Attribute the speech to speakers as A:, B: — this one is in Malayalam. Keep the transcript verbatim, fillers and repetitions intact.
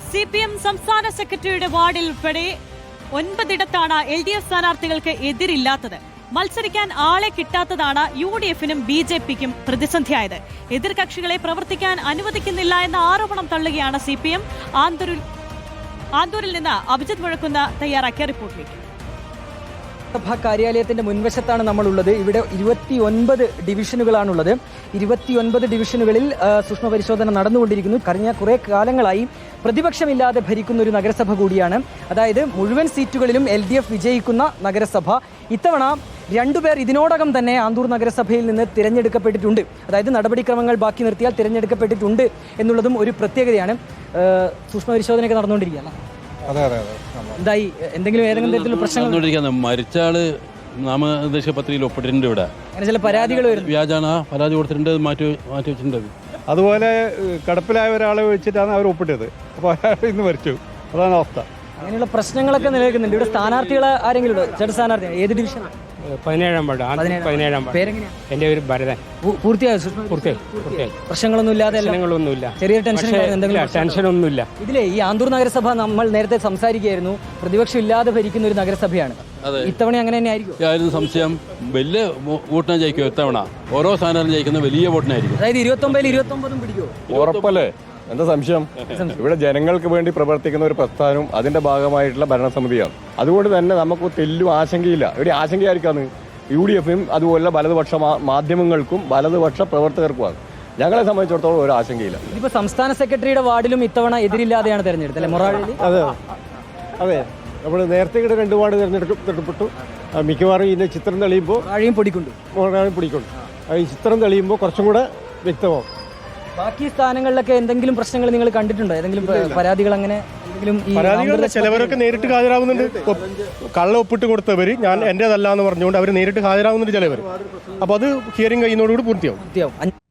A: സി പി എം സംസ്ഥാന സെക്രട്ടറിയുടെ വാർഡിൽ ഉൾപ്പെടെ ഒൻപതിടത്താണ് എൽ ഡി എഫ് സ്ഥാനാർത്ഥികൾക്ക് എതിരില്ലാത്തത്. മത്സരിക്കാൻ ആളെ കിട്ടാത്തതാണ് യു ഡി എഫിനും ബി ജെ പിക്കും പ്രതിസന്ധിയായത്. എതിർകക്ഷികളെ പ്രവർത്തിക്കാൻ അനുവദിക്കുന്നില്ല എന്ന ആരോപണം തള്ളുകയാണ് സി പി എം. ആന്തൂരിൽ ആന്തൂരിൽ നിന്ന് അഭിജിത് മുഴക്കുന്ന തയ്യാറാക്കിയ റിപ്പോർട്ടിലേക്ക്.
B: സഭാ കാര്യാലയത്തിന്റെ മുൻവശത്താണ് നമ്മളുള്ളത്. ഇവിടെ ഇരുപത്തി ഒൻപത് ഡിവിഷനുകളാണുള്ളത്. ഇരുപത്തിയൊൻപത് ഡിവിഷനുകളിൽ സൂക്ഷ്മ പരിശോധന നടന്നുകൊണ്ടിരിക്കുന്നു. കഴിഞ്ഞ കുറെ കാലങ്ങളായി പ്രതിപക്ഷമില്ലാതെ ഭരിക്കുന്ന ഒരു നഗരസഭ കൂടിയാണ്. അതായത് മുഴുവൻ സീറ്റുകളിലും എൽ ഡി എഫ് വിജയിക്കുന്ന നഗരസഭ. ഇത്തവണ രണ്ടുപേർ ഇതിനോടകം തന്നെ ആന്തൂർ നഗരസഭയിൽ നിന്ന് തിരഞ്ഞെടുക്കപ്പെട്ടിട്ടുണ്ട്. അതായത് നടപടിക്രമങ്ങൾ ബാക്കി നിർത്തിയാൽ തിരഞ്ഞെടുക്കപ്പെട്ടിട്ടുണ്ട് എന്നുള്ളതും ഒരു പ്രത്യേകതയാണ്. സൂക്ഷ്മ പരിശോധനയൊക്കെ നടന്നുകൊണ്ടിരിക്കുകയാണ്.
C: അതെ അതെ അതെ
B: എന്തായി എന്തെങ്കിലും ഏതെങ്കിലും തരത്തിലുള്ള പ്രശ്നങ്ങൾ?
D: മരിച്ച ആള് നാമനിർദ്ദേശ പത്രികയിൽ ഒപ്പിട്ടിട്ടുണ്ട്. ഇവിടെ
B: അങ്ങനെ ചില പരാതികൾ വരുന്നു.
D: വ്യാജാണ് പരാതി കൊടുത്തിട്ടുണ്ട്, മാറ്റി മാറ്റി വെച്ചിട്ടുണ്ട്.
C: അതുപോലെ കിടപ്പിലായ ഒരാളെ വെച്ചിട്ടാണ് അവർ ഒപ്പിട്ടത്. അപ്പോൾ അയാൾ ഇന്ന് മരിച്ചു. അതാണ് അവസ്ഥ.
B: അങ്ങനെയുള്ള പ്രശ്നങ്ങളൊക്കെ നിലനിൽക്കുന്നുണ്ട്. ഇവിടെ സ്ഥാനാർത്ഥികൾ ആരെങ്കിലും ഉണ്ടോ? ചേട്ടൻ സ്ഥാനാർത്ഥി ഏത് ഡിവിഷനാണ്?
E: പതിനേഴാം വാർഡ്. പതിനേഴാം വാർഡ്.
B: പേരെങ്ങനെയാ?
E: എൻ്റെ ഒരു ഭരതൻ.
B: പൂർത്തിയായോ?
E: പൂർത്തിയായി പൂർത്തിയായി
B: പ്രശ്നങ്ങളൊന്നും ഇല്ലാതെ
E: പ്രശ്നങ്ങളൊന്നുമില്ല.
B: ചെറിയ ടെൻഷൻ എന്തെങ്കിലും?
E: ടെൻഷനൊന്നുമില്ല.
B: ഇതിലെ ഈ ആന്തൂർ നഗരസഭ നമ്മൾ നേരത്തെ സംസാരിക്കുകയായിരുന്നു, പ്രതിപക്ഷം ഇല്ലാതെ ഭരിക്കുന്ന ഒരു നഗരസഭയാണ്. ഇത്തവണ അങ്ങനെ തന്നെ ആയിരിക്കും?
D: സംശയം വലിയ വോട്ടിനെ ജയിക്കും. ഇത്തവണ ഓരോ സ്ഥാനാർത്ഥി ജയിക്കുന്ന വലിയ വോട്ടിനായിരിക്കും.
B: അതായത് ഇരുപത്തി ഒമ്പതിൽ ഇരുപത്തി ഒമ്പതും പിടിക്കുമോ?
F: ഉറപ്പല്ലേ? എന്താ സംശയം? ഇവിടെ ജനങ്ങൾക്ക് വേണ്ടി പ്രവർത്തിക്കുന്ന ഒരു പ്രസ്ഥാനവും അതിന്റെ ഭാഗമായിട്ടുള്ള ഭരണസമിതിയാണ്. അതുകൊണ്ട് തന്നെ നമുക്ക് തെല്ലും ആശങ്കയില്ല. ഇവിടെ ആശങ്കയായിരിക്കാന്ന് യു ഡി എഫിനും അതുപോലെ വലതുപക്ഷ മാധ്യമങ്ങൾക്കും വലതുപക്ഷ പ്രവർത്തകർക്കുമാണ്. ഞങ്ങളെ സംബന്ധിച്ചിടത്തോളം ഒരു ആശങ്കയില്ല.
B: ഇപ്പൊ സംസ്ഥാന സെക്രട്ടറിയുടെ വാർഡിലും ഇത്തവണ എതിരില്ലാതെയാണ് തെരഞ്ഞെടുത്തത് അല്ലെ? മൊറാഴി.
G: അതെ അതെ നമ്മൾ നേരത്തെ ഇവിടെ രണ്ട് വാർഡ് തിരഞ്ഞെടുക്കപ്പെട്ടു. മിക്കവാറും ഇതിന്റെ ചിത്രം തെളിയുമ്പോൾ
B: മൊറാഴിയും പൊടിക്കൊണ്ടു
G: മൊറാഴിയും പൊടിക്കൊണ്ടു ഈ ചിത്രം തെളിയുമ്പോൾ കുറച്ചും കൂടെ വ്യക്തമാവും.
B: ബാക്കി സ്ഥാനങ്ങളിലൊക്കെ എന്തെങ്കിലും പ്രശ്നങ്ങൾ നിങ്ങൾ കണ്ടിട്ടുണ്ടോ? ഏതെങ്കിലും പരാതികൾ അങ്ങനെ
G: പരാതികൾ? ചിലവരൊക്കെ നേരിട്ട് ഹാജരാകുന്നുണ്ട്. കള്ള ഒപ്പിട്ട് കൊടുത്തവർ ഞാൻ എന്റേതല്ല എന്ന് പറഞ്ഞുകൊണ്ട് അവർ നേരിട്ട് ഹാജരാകുന്നുണ്ട് ചിലവർ. അപ്പോൾ അത് ഹിയറിംഗ് കഴിയുന്നതോടുകൂടി പൂർത്തിയാവും.